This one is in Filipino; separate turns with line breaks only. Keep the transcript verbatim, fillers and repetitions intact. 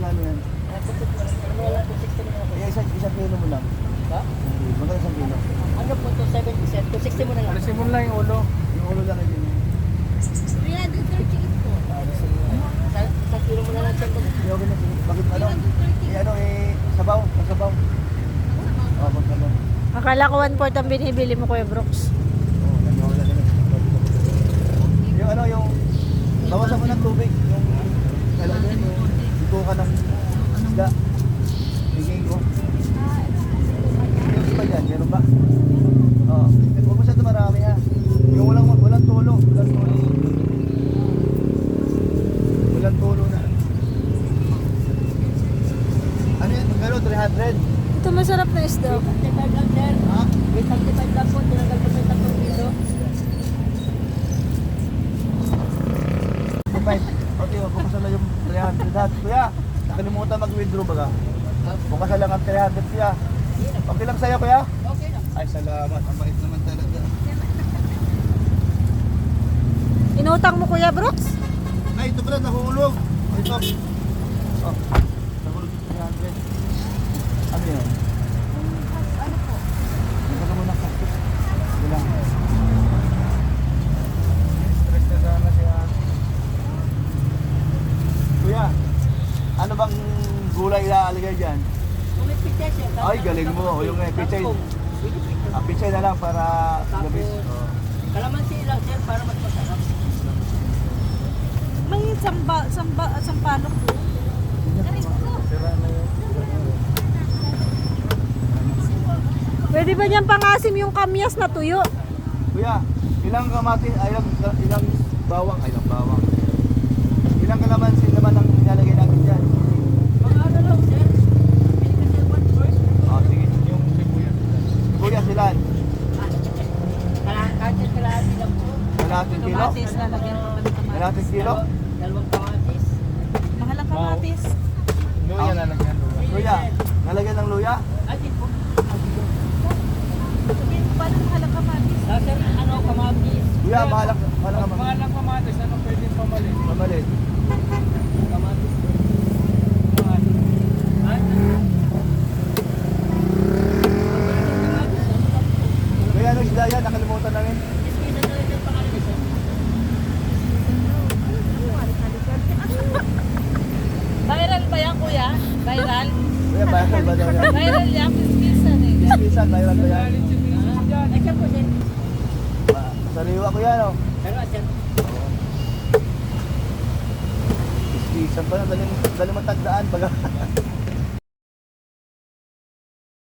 magkano yan? Eh, isang, isang kilo mo lang.
Ha?
Magkano isang kilo?
Ano po to seventy cents? two sixty mo na lang.
Alisin mo lang yung ulo.
Yung ulo lang yun.
three hundred thirty po.
Ah, gusto mo.
Sa- Isang kilo mo na lang siya.
Hindi ako ganun. Bakit ano? Eh ano eh, sabaw. Sabaw. Oo, pag sabaw.
Akala ko one fourth ang binibili mo, Kuya Brooks.
Oo, nagawala na lang. Yung ano, yung bawasan mo ng tubig. Yung alam mo yun, yung ito ka ng isda. Bigay ko. Yung iba dyan, meron ba? Oo. Eh, huwag masyado marami ha. Yung walang, walang tulo. Walang tulo. Walang tulo na. Ano yun? Magkano? three hundred?
Ito masarap na isda.
seventy-five lang, sir.
Ha?
May seventy-five lang po. Tinanggal ko may tatlong kilo.
Five. Okay, bukasan na yung three hundred ha. Kuya, nakalimutan mag-withdraw baga. Bukasan lang ang three hundred kuya. Okay lang sa'yo kuya?
Okay lang.
Ay, salamat. Ang bait naman talaga.
Inutang mo, Kuya Brooks?
Ay, ito pala, nahulog. Ito. Oh, nahulog yung three hundred. Ano yun? Ano po? Ito ka muna plastic. Ito lang. Stress na sana si ate. Kuya, ano bang gulay ilalagay dyan?
Kung may pizza, sir.
Ay, galing mo. O yung eh, pichay. Ah, pichay na lang para gamis. Oh.
Kalamansi lang, sir, para mas masarap.
May samba, samba, sampalok po.
Sira na yun.
Pwede ba niyan pangasim yung kamyas na tuyo?
Kuya, ilang kamatis, ay ilang, ilang bawang, ay ilang bawang. Ilang kalamansi naman ang nilalagay natin dyan?
Mga ano lang, sir. Pili ka, sir, one first.
Ah, sige. Yung sibuyas. Sibuyas ilan?
Kahit kalahati lang po.
Kalahating kilo?
lalagyan ko ng kamatis.
Kalahating kilo?
Dalaw- Dalawang kamatis.
Mahal ang kamatis.
Luya na lang yan. luya.
Kuya, nalagyan ng luya?
Ay, di po.
Sabihin mo ba ng mahal ang kamatis?
Ah, sir, ano, kamatis.
Kuya, mahal ang mahal ang
Pag mahal ang kamatis, ano pwede pamalit?
mamalit.
Kamatis. Kamatis. Ay,
Kuya, ano isda yan? Nakalimutan namin.
iskisa na rin yung pangalan, sir.
Viral ba yan, Kuya? Viral?
Kuya, viral ba daw yan?
Viral yan, pispisan eh.
Bisan, viral ba yan?
Galit si Miss dyan.
Ay, siya po, sir.
Ah, Sariwa kuya, no?
Pero, sir,
Bisan pa na, daling, daling matagdaan. Baga.